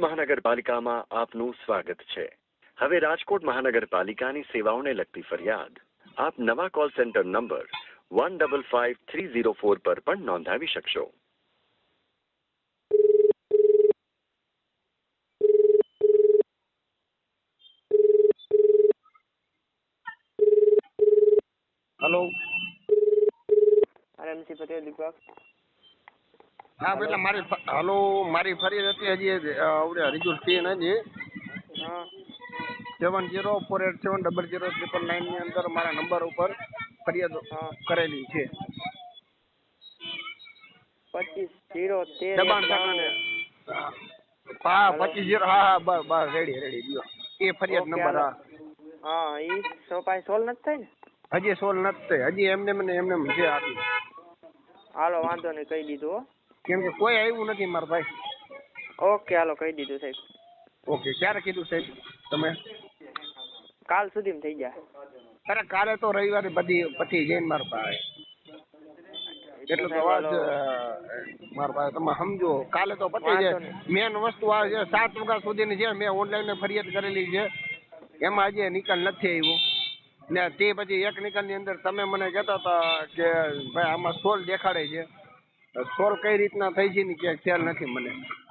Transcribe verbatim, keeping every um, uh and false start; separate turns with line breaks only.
મહાનગરપાલિકામાં આપનું સ્વાગત છે। હવે રાજકોટ મહાનગરપાલિકાની સેવાઓને લગતી ફરિયાદ આપ નવા call centre number one double five three zero four પર પણ નોંધાવી શકશો।
Hello
RMC Patel Deepak.
हाँ बेटा मारी हेलो मारी फरियाद હતી હજી આવડે હરીજુર ટીન હજી
હા
seven zero four eight seven double zero triple nine ની અંદર મારા નંબર ઉપર ફરિયાદ
હા
કરેલી છે।
પચીસ જીરો તેર
દબાણ
એક
શાખાને
બાણું।
હા
Hello.
પચીસ ઝીરો હા હા બસ બસ રેડી રેડી દિયો એ ફરિયાદ
ઓકે
નંબર
હાલો
હા
હા ઈ સોપાઈ સોલ નથી થાય ને?
હજી સોલ નથી થઈ હજી એમને મને એમને છે આપી
હાલો વાંધો નહીં કહી દીધું હો।
કેમ કે કોઈ આવ્યું નથી મારા ભાઈ।
ઓકે હાલો કહી દીધું સાહેબ।
ઓકે ક્યારે કીધું સાહેબ તમે?
કાલ સુધીમાં થઈ જાય।
અરે કાલે તો રવિવારે બધી પતી જઈને મારા ભાઈ
તો
એટલે તો
સાહેબ
વાત
હાલો
મારા ભાઈ તમે સમજો કાલે તો પતી
વાંધો
જાય।
નહીં
મેન વસ્તુ આ છે સાત વાગ્યા સુધીની છે મેં ઓનલાઈન ફરિયાદ કરેલી છે એમાં હજી નિકાલ નથી આવ્યો ને તે પછી એક નિકાલની અંદર તમે મને કહેતા હતા કે ભાઈ આમાં સોલ દેખાડે છે સોલ કઈ રીતના થઈ છે ને ક્યાંક ખ્યાલ નથી મને।